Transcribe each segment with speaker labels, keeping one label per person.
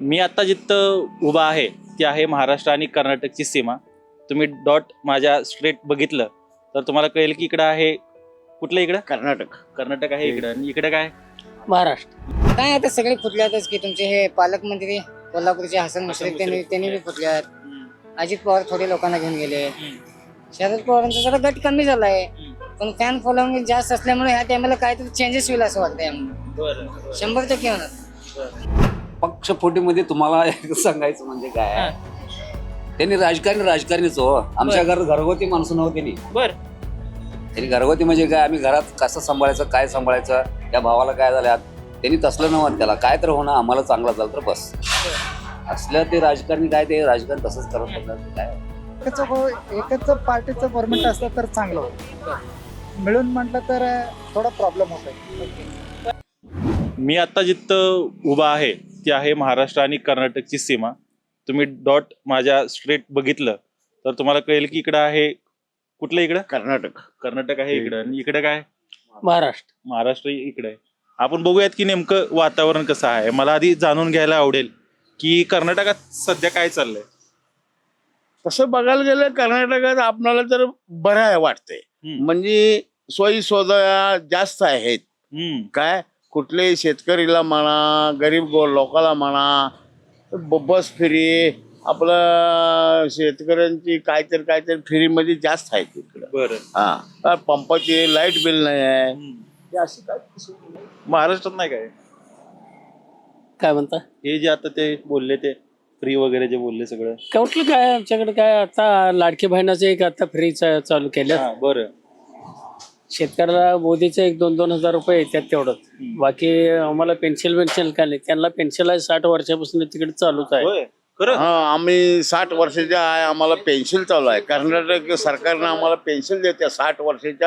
Speaker 1: मी आता जिथं उभा आहे ती आहे महाराष्ट्र आणि कर्नाटकची सीमा. तुम्ही डॉट माझ्या स्ट्रेट बघितलं तर तुम्हाला कळेल की इकडं आहे कुठलं इकडं कर्नाटक आहे इकडं आणि इकडं काय
Speaker 2: महाराष्ट्र. काय आता सगळे फुटल्यातच की तुमचे हे पालकमंत्री कोल्हापूरचे हसन मुश्रीफ त्यांनी बी फुटल्यात. अजित पवार थोडे लोकांना घेऊन गेले. शरद पवारांचा जरा गट कमी झालाय पण फॅन फॉलोइंग जास्त असल्यामुळे ह्या टायमाला काहीतरी चेंजेस होईल असं वाटतंय. 100% होणार.
Speaker 3: पक्षफोटीमध्ये तुम्हाला एक सांगायचं म्हणजे काय, त्यांनी राजकारणीच हो. आमच्या घरात घरगुती माणसं नव्हती त्यांनी घरगुती म्हणजे काय, आम्ही घरात कसं सांभाळायचं काय सांभाळायचं, त्या भावाला काय झालं त्यांनी तसलं नव्हतं. त्याला काय तर होणं आम्हाला चांगलं झालं तर बस असलं. ते राजकारणी काय ते राजकारण तसंच करत होतं. काय
Speaker 4: एकच पार्टीचं गव्हर्नमेंट असलं तर चांगलं होतं. मिळून म्हटलं तर थोडा प्रॉब्लेम होतोय.
Speaker 1: मी आता जिथं उभा आहे ती आहे महाराष्ट्र आणि कर्नाटकची सीमा. तुम्ही डॉट माझ्या स्ट्रेट बघितलं तर तुम्हाला कळेल की इकडं आहे कुठलं इकडं कर्नाटक आहे इकडं आणि इकडं काय महाराष्ट्र इकडे आहे. आपण बघूयात की नेमकं वातावरण कसं आहे. मला आधी जाणून घ्यायला आवडेल की कर्नाटकात सध्या काय चाललंय.
Speaker 5: तसं बघायला गेलं कर्नाटकात आपल्याला तर बरं आहे वाटतंय. म्हणजे सोयी सुविधा जास्त आहेत. काय कुठल्याही शेतकरीला म्हणा, गरीब लोकांना म्हणा, बस फ्री, आपलं शेतकऱ्यांची काहीतरी फ्रीमध्ये जास्त आहे तिकडं.
Speaker 1: बरं
Speaker 5: पंपाची लाईट बिल नाही आहे. अशी काय
Speaker 1: महाराष्ट्रात नाही काय
Speaker 2: म्हणता
Speaker 1: हे जे आता ते बोलले ते फ्री वगैरे जे बोलले सगळं
Speaker 2: कुठलं काय आमच्याकडे काय आता लाडकी बहिणाचं एक आता फ्री चालू केलं.
Speaker 1: बरं
Speaker 2: शेतकऱ्याला मोदीचे 1-2 हजार रुपये येतात तेवढंच. बाकी आम्हाला पेन्शन काय नाही. त्यांना पेन्शन आहे 60 वर्षापासून तिकडे चालूच आहे.
Speaker 1: होय खरं.
Speaker 5: आम्ही 60 वर्षाच्या आहे. आम्हाला पेन्शन चालू आहे. कर्नाटक सरकारनं आम्हाला पेन्शन देते 60 वर्षाच्या.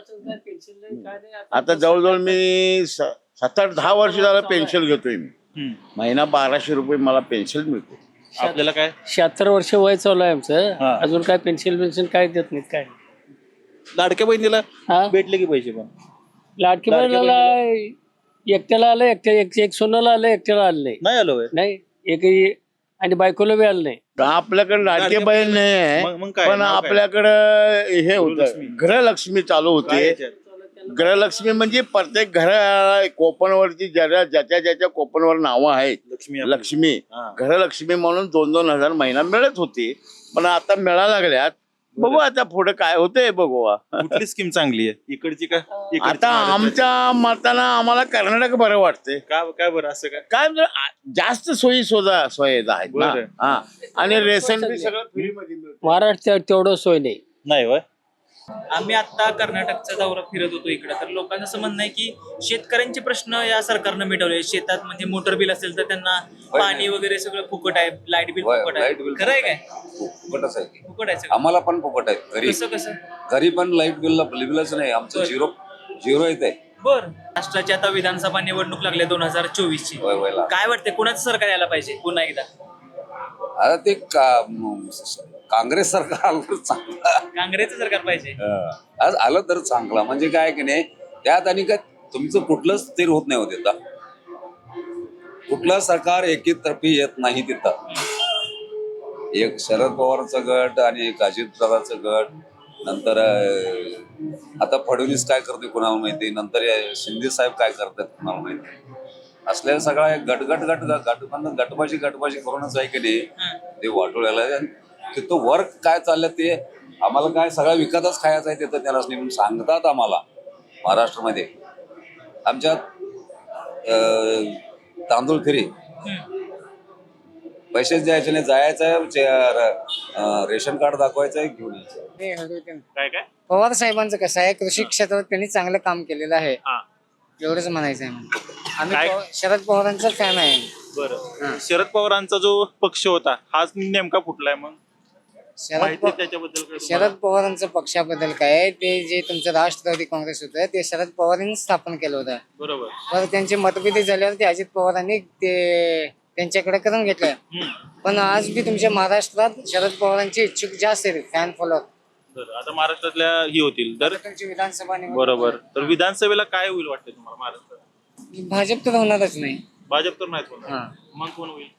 Speaker 5: आता जवळजवळ मी 7-10 वर्ष झालं पेन्शन घेतोय मी. महिना 1200 रुपये मला पेन्शन मिळते.
Speaker 1: आपल्याला काय
Speaker 2: 76 वर्ष वय चालू आहे आमचं. अजून काय पेन्शन काय देत नाहीत. काय
Speaker 1: लाडक्या बहिणीला भेटले की पैसे पण
Speaker 2: लाडकी बहिणीला एकट्याला आलं, एक सोनाला आलं, एकट्याला आलं
Speaker 1: नाही आलो
Speaker 2: नाही. एक आणि बायकोला बी आलं नाही.
Speaker 5: आपल्याकडे लाडके बहीण नाही आहे पण आपल्याकडं हे होतं गृहलक्ष्मी चालू होते. गृहलक्ष्मी म्हणजे प्रत्येक घर कोपनवरची ज्याच्या कोपनवर नावं आहेत लक्ष्मी गृहलक्ष्मी म्हणून 2-2 हजार महिना मिळत होती. पण आता मिळायला लागल्यात. बघू आता पुढे काय होतंय बघू.
Speaker 1: कुठली स्कीम चांगली आहे इकडची का
Speaker 5: आता आमच्या मतानं आम्हाला कर्नाटक बरं वाटते.
Speaker 1: काय बरं असं
Speaker 5: काय जास्त सुविधा आहेत ना. आणि रेशन बी सगळं फ्री मध्ये मिळतं.
Speaker 2: महाराष्ट्रात तेवढं सोय नाही
Speaker 1: होय.
Speaker 6: आम्ही आता कर्नाटकचा दौरा फिरत होतो इकडे, तर लोकांचं असं म्हणणं आहे की शेतकऱ्यांचे प्रश्न या सरकारनं मिटवले. शेतात म्हणजे मोटर बिल असेल तर त्यांना पाणी वगैरे सगळं फुकट आहे, लाईट बिल फुकट आहे. खरं आहे काय?
Speaker 3: फुकटच आहे.
Speaker 6: फुकट आहे सगळं.
Speaker 3: आम्हाला पण फुकट आहे.
Speaker 6: कसं
Speaker 3: घरी पण लाईट बिलच नाही. आमचं झिरो येते.
Speaker 6: बर. राष्ट्राची आता विधानसभा निवडणूक लागली 2024 ची. काय वाटते कोणाचं सरकार यायला पाहिजे पुन्हा एकदा?
Speaker 3: आता ते काँग्रेस सरकार आलं तर चांगलं.
Speaker 6: काँग्रेसचं सरकार पाहिजे.
Speaker 3: आज आलं तर चांगलं. म्हणजे काय की नाही त्यात आणि काय तुमचं कुठलंच स्थिर होत नाही होत. तिथं कुठलं सरकार एकीतर्फी येत नाही. तिथं एक शरद पवारचं गट आणि एक अजितदादाचं गट. नंतर आता फडणवीस काय करते कुणाला माहिती. नंतर शिंदे साहेब काय करतात कुणाला माहिती. असल्या सगळ्या गटबाजी करूनच आहे की नाही ते वाटोळ्याला. तिथं वर्क काय चाललं ते आम्हाला काय सगळा विकतच खायचा आहे तिथं. त्याला म्हणून सांगतात आम्हाला. महाराष्ट्रामध्ये आमच्यात तांदूळ फ्री, पैसेच द्यायचे नाही. जायचं रेशन कार्ड दाखवायचं घेऊन यायचं.
Speaker 1: काय
Speaker 2: पवार साहेबांचं कसं आहे, कृषी क्षेत्रात त्यांनी चांगलं काम केलेलं आहे. एवढंच म्हणायचं आहे. आम्ही शरद पवारांचा फॅन आहे.
Speaker 1: बरं. शरद पवारांचा जो पक्ष होता हाच नेमका फुटलाय. मग
Speaker 2: शरद पवारांच्या पक्षाबद्दल काय, ते जे तुमचं राष्ट्रवादी काँग्रेस होतं ते शरद पवारांनी स्थापन केलं होतं.
Speaker 1: बरोबर.
Speaker 2: तर त्यांचे मतभेद झाल्यावर ते अजित पवारांनी ते त्यांच्याकडे करून घेतलं. पण आज बी तुमच्या महाराष्ट्रात शरद पवारांचे इच्छुक जास्त आहेत, फॅन फॉलोअर.
Speaker 1: आता महाराष्ट्रातल्या ही होतील तर
Speaker 2: विधानसभा
Speaker 1: बरोबर. तर विधानसभेला काय होईल वाटतं तुम्हाला महाराष्ट्रात?
Speaker 2: भाजप तर होणारच नाही.
Speaker 1: भाजप तर नाही होणार. मग कोण होईल?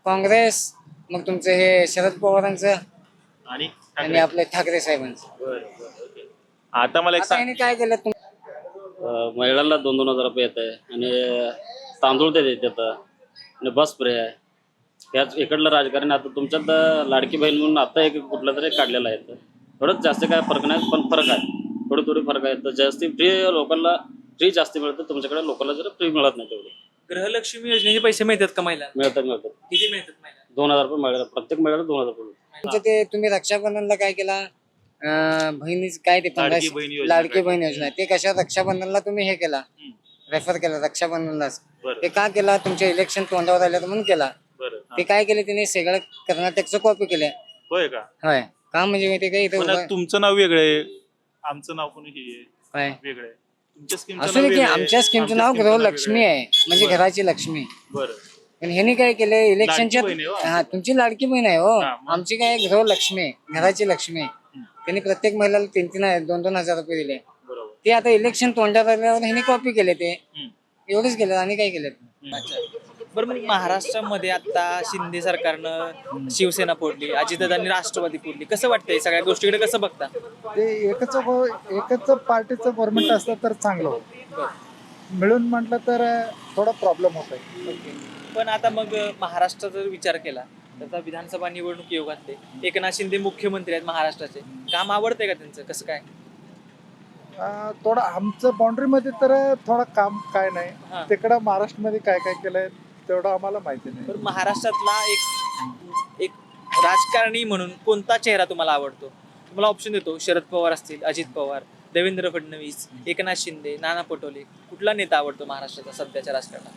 Speaker 2: काँग्रेस, मग तुमचं हे शरद पवारांचं
Speaker 1: आणि
Speaker 2: आणि आपले ठाकरे साहेबांचं.
Speaker 1: आता मला एक
Speaker 2: आता यांनी काय केलं
Speaker 7: महिलांना 2,000 रुपये येत आहे आणि तांदूळ ते देतात आणि बस फ्री आहे. याच इकडलं राजकारण आता तुमच्यात लाडकी बहीण म्हणून आता एक कुठलं तरी काढलेलं आहे. थोडंच जास्त काय फरक नाही, पण फरक आहे, थोडी फरक आहे. तर जास्ती फ्री लोकांना फ्री जास्ती मिळतं, तुमच्याकडे लोकांना जरा फ्री मिळत नाही तेवढे.
Speaker 6: गृहलक्ष्मी योजनेचे पैसे मिळतात का महिलांना?
Speaker 7: मिळतात.
Speaker 6: किती मिळतात महिलांना?
Speaker 7: 2,000 रुपये मिळतात, प्रत्येक महिन्याला 2,000 रुपये मिळतात.
Speaker 2: तुमचं ते तुम्ही रक्षाबंधनला काय केला बहिणीच काय ते
Speaker 1: लाडकी
Speaker 2: 15
Speaker 1: बहीण योजना
Speaker 2: लाडकी बहीण योजना ते कशा रक्षाबंधनला तुम्ही हे केला रेफर केला रक्षाबंधनलाच.
Speaker 1: बरं.
Speaker 2: ते का केला तुमचे इलेक्शन तोंडावर आले म्हणून केला.
Speaker 1: बरं हा.
Speaker 2: ते काय केले त्यांनी सगळं कर्नाटकचं कॉपी केलं.
Speaker 1: होय का?
Speaker 2: होय का म्हणजे माहिती काय इथं
Speaker 1: पण
Speaker 2: उभं-
Speaker 1: तुमचं नाव वेगळं आहे, आमचं नाव पण हे आहे,
Speaker 2: होय.
Speaker 1: वेगळं आहे. तुमच्या स्कीमचं
Speaker 2: असू
Speaker 1: नाव
Speaker 2: दे की
Speaker 1: वेगळं आहे,
Speaker 2: आमच्या स्कीमचं नाव
Speaker 1: आमच्या स्कीमचं
Speaker 2: गृहलक्ष्मी आहे म्हणजे
Speaker 1: बरं.
Speaker 2: घराची लक्ष्मी.
Speaker 1: बरं.
Speaker 2: पण ह्यांनी काय केले इलेक्शनच्या
Speaker 1: लाडकी बहीण आहे हो.
Speaker 2: हा तुमची लाडकी बहीण आहे हो.
Speaker 1: हा, मग?
Speaker 2: आमची काय गृहलक्ष्मी आहे घराची लक्ष्मी आहे. त्यांनी प्रत्येक महिलाला 3-2 हजार रुपये दिले.
Speaker 1: बरोबर.
Speaker 2: ते आता इलेक्शन तोंडात आल्यावर ह्यांनी कॉपी केले ते
Speaker 1: हम्म.
Speaker 2: एवढंच केलं आणि काय केलं.
Speaker 6: अच्छा. बरं, मग महाराष्ट्रामध्ये आता शिंदे सरकारनं शिवसेना फोडली, अजितदादांनी राष्ट्रवादी फोडली, कसं वाटतंय सगळ्या गोष्टीकडे कसं बघता?
Speaker 4: ते एकच पार्टीचं गव्हर्नमेंट असलं तर चांगलं होतं. मिळून म्हटलं तर थोडा प्रॉब्लेम होत आहे.
Speaker 6: पण आता मग महाराष्ट्राचा जर विचार केला तर आता विधानसभा निवडणूक योगातले एकनाथ शिंदे मुख्यमंत्री आहेत महाराष्ट्राचे. काम आवडतंय का त्यांचं, कसं काय?
Speaker 4: थोडं आमचं बाउंड्रीमध्ये तर थोडं काम काय
Speaker 6: हा.
Speaker 4: नाही, तिकडं महाराष्ट्रामध्ये काय काय केलंय तेवढं आम्हाला माहिती नाही.
Speaker 6: तर महाराष्ट्रातला एक राजकारणी म्हणून कोणता चेहरा तुम्हाला आवडतो? तुम्हाला ऑप्शन देतो, शरद पवार असतील, अजित पवार, देवेंद्र फडणवीस, एकनाथ शिंदे, नाना पटोले, कुठला नेता आवडतो महाराष्ट्राचा सध्याच्या राजकारणात?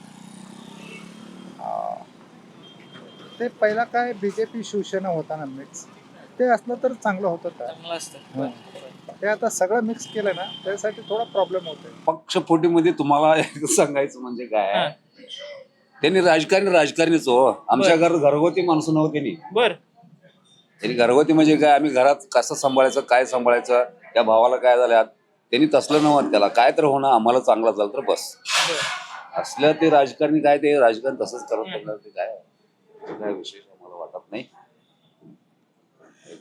Speaker 4: ते पहिला काय बीजेपी शिवसेना होता ना मिक्स, ते असलं तर चांगलं होतं का.
Speaker 6: चांगलं असतं.
Speaker 4: ते आता सगळं मिक्स केलं ना त्यासाठी थोडा प्रॉब्लेम होतोय.
Speaker 3: पक्षफोटीमध्ये तुम्हाला एक सांगायचं म्हणजे काय, त्यांनी राजकारणीच हो. आमच्या घरगुती माणसं नव्हती त्यांनी.
Speaker 6: बर.
Speaker 3: त्यांनी घरगुती म्हणजे काय, आम्ही घरात कसं सांभाळायचं, काय सांभाळायचं, त्या भावाला काय झालं, त्यांनी तसलं नव्हतं. त्याला काय तर होणं, आम्हाला चांगलं झालं तर बस. असलं ते राजकारणी काय, ते राजकारण तसंच करत राहणार, ते काय विशेष आम्हाला वाटत नाही.